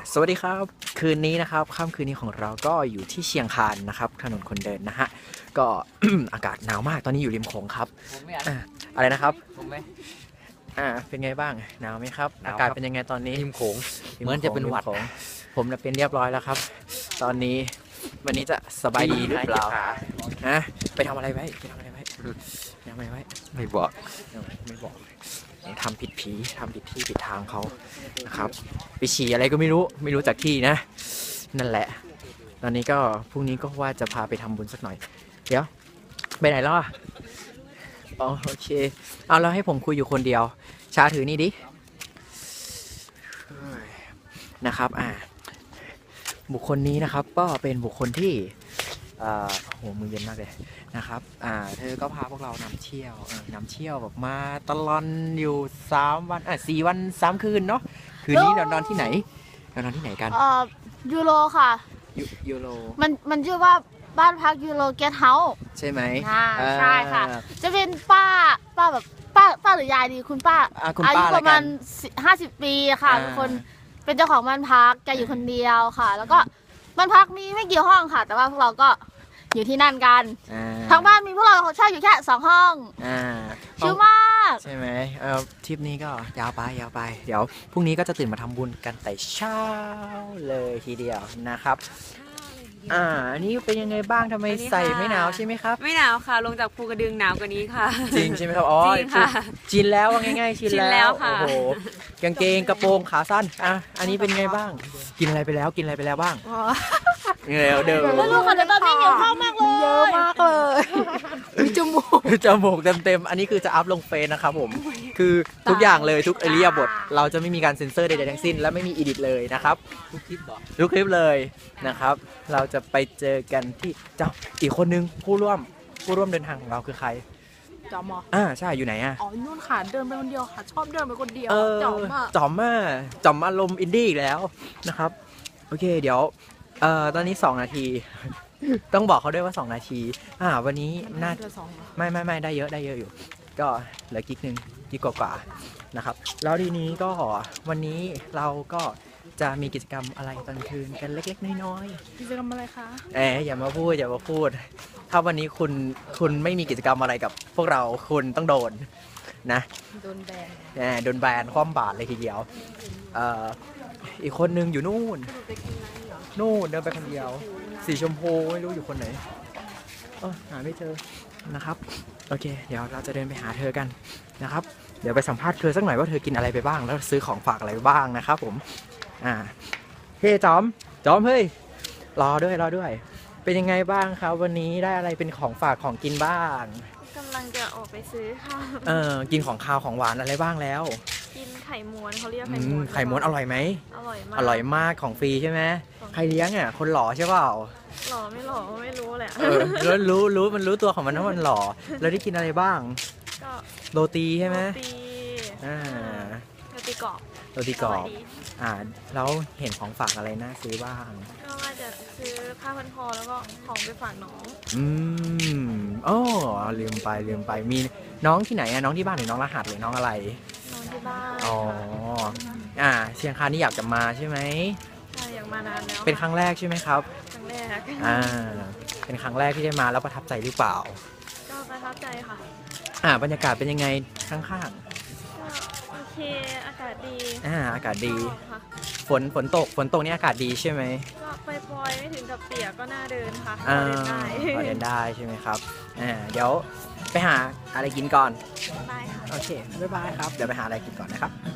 สวัสดีครับคืนนี้นะครับค่ำคืนนี้ของเราก็อยู่ที่เชียงคานนะครับถนนคนเดินนะฮะก็ อากาศหนาวมากตอนนี้อยู่ริมโขงครับอะไรนะครับผมไม่เป็นไงบ้างหนาวไหมครับหนาวครับอากาศเป็นยังไงตอนนี้ริมโขงเหมือนจะเป็นหวัดริมโขงผมเป็นเรียบร้อยแล้วครับ ตอนนี้วันนี้จะสบายดีหรือเปล่าฮะไปทำอะไรไว้ไม่บอกไม่บอกทำผิดผีทำผิดที่ผิดทางเขานะครับไปฉี่อะไรก็ไม่รู้จากที่นะนั่นแหละตอนนี้ก็พรุ่งนี้ก็ว่าจะพาไปทำบุญสักหน่อยเดี๋ยวไปไหนแล้วอ่ะอ๋อโอเคเอาแล้วให้ผมคุยอยู่คนเดียวชาถือนี่ดินะครับบุคคลนี้นะครับก็เป็นบุคคลที่โหมือเย็นมากเลยนะครับเธอก็พาพวกเรานำเที่ยวแบบมาตลอดอยู่3 วัน4 วัน 3 คืนเนาะคืนนี้เรานอนที่ไหนกันยูโรค่ะยูโรมันชื่อว่าบ้านพักยูโรเกสต์เฮาส์ใช่ไหมใช่ค่ะจะเป็นป้าแบบป้าหรือยายดีคุณป้าอายุประมาณ50 ปีค่ะเป็นคนเป็นเจ้าของบ้านพักแกอยู่คนเดียวค่ะ แล้วก็บ้านพักมีไม่กี่ห้องค่ะ แต่ว่าพวกเราก็อยู่ที่นั่นกันทางบ้านมีพวกเราเช่าอยู่แค่2 ห้องชิลมากใช่ไหมทริปนี้ก็ยาวไปเดี๋ยวพรุ่งนี้ก็จะตื่นมาทำบุญกันแต่เช้าเลยทีเดียวนะครับอันนี้เป็นยังไงบ้างทำไมใส่ไม่หนาวใช่ไหมครับไม่หนาวค่ะลงจากภูกระดึงหนาวกว่านี้ค่ะจริงใช่ไหมครับอ๋อจริงค่ะชินแล้วว่าง่ายๆชินแล้วค่ะโอ้โหกางเกงกระโปรงขาสั้นอันนี้เป็นไงบ้างกินอะไรไปแล้วบ้างเดิมแล้วลูกค่ะแต่ตอนนี้เยอะมากเลยมีจมูกเต็มอันนี้คือจะอัพลงเฟซนะครับผมคือทุกอย่างเลยทุกเอเรียบทเราจะไม่มีการเซ็นเซอร์ใดๆทั้งสิ้นและไม่มีอีดิทเลยนะครับทุกคลิปเลยนะครับเราจะไปเจอกันที่อีกคนนึงผู้ร่วมเดินทางของเราคือใครจอมใช่อยู่ไหนนู่นค่ะเดินไปคนเดียวค่ะชอบเดินไปคนเดียวจอมอารมณ์อินดี้อีกแล้วนะครับโอเคเดี๋ยวตอนนี้2 นาทีต้องบอกเขาด้วยว่า2 นาทีวันนี้น่าไม่ได้เยอะอยู่ก็เหลือกิ๊กกว่านะครับแล้วทีนี้ก็วันนี้เราก็จะมีกิจกรรมอะไรตอนคืนกันเล็กๆน้อยๆกิจกรรมอะไรคะอย่ามาพูดถ้าวันนี้คุณไม่มีกิจกรรมอะไรกับพวกเราคุณต้องโดนนะโดนแบนคว่ำบาตรเลยทีเดียวอีกคนนึงอยู่นู่นเดินไปคนเดียวสีชมพูไม่รู้อยู่คนไหนหาไม่เจอนะครับโอเคเดี๋ยวเราจะเดินไปหาเธอกันนะครับเดี๋ยวไปสัมภาษณ์เธอสักหน่อยว่าเธอกินอะไรไปบ้างแล้วซื้อของฝากอะไรบ้างนะครับผมเฮ้จอมเฮ้ยรอด้วยเป็นยังไงบ้างครับวันนี้ได้อะไรเป็นของฝากของกินบ้างกำลังจะออกไปซื้อค่ะกินของคาวของหวานอะไรบ้างแล้วกินไข่ม้วนเขาเรียกไข่ม้วนอร่อยไหมอร่อยมากของฟรีใช่ไหมใครเลี้ยงคนหล่อใช่เปล่าหล่อไม่หล่อไม่รู้แหละแล้วรู้มันรู้ตัวของมันว่ามันหล่อแล้วได้กินอะไรบ้างก็โรตีใช่ไหมโรตีกรอบแล้วเห็นของฝากอะไรน่าซื้อบ้างก็ว่าจะซื้อผ้าพันคอแล้วก็ของไปฝากน้องลืมไปมีน้องที่ไหนน้องที่บ้านหรือน้องรหัสหรือน้องอะไรน้องที่บ้านเชียงคานนี่อยากจะมาใช่ไหมใช่อยากมานานแล้วเป็นครั้งแรกใช่ไหมครับครั้งแรกเป็นครั้งแรกที่ได้มาแล้วประทับใจหรือเปล่าก็ประทับใจค่ะบรรยากาศเป็นยังไงข้างๆโอเคอากาศดีอากาศดีฝนตกนี่อากาศดีใช่ไหมก็ปล่อยไม่ถึงกับเปียกก็น่าเดินค่ะพอเดินได้ใช่ไหมครับเดี๋ยวไปหาอะไรกินก่อนได้ค่ะโอเคบ๊ายบายครับเดี๋ยวไปหาอะไรกินก่อนนะครับ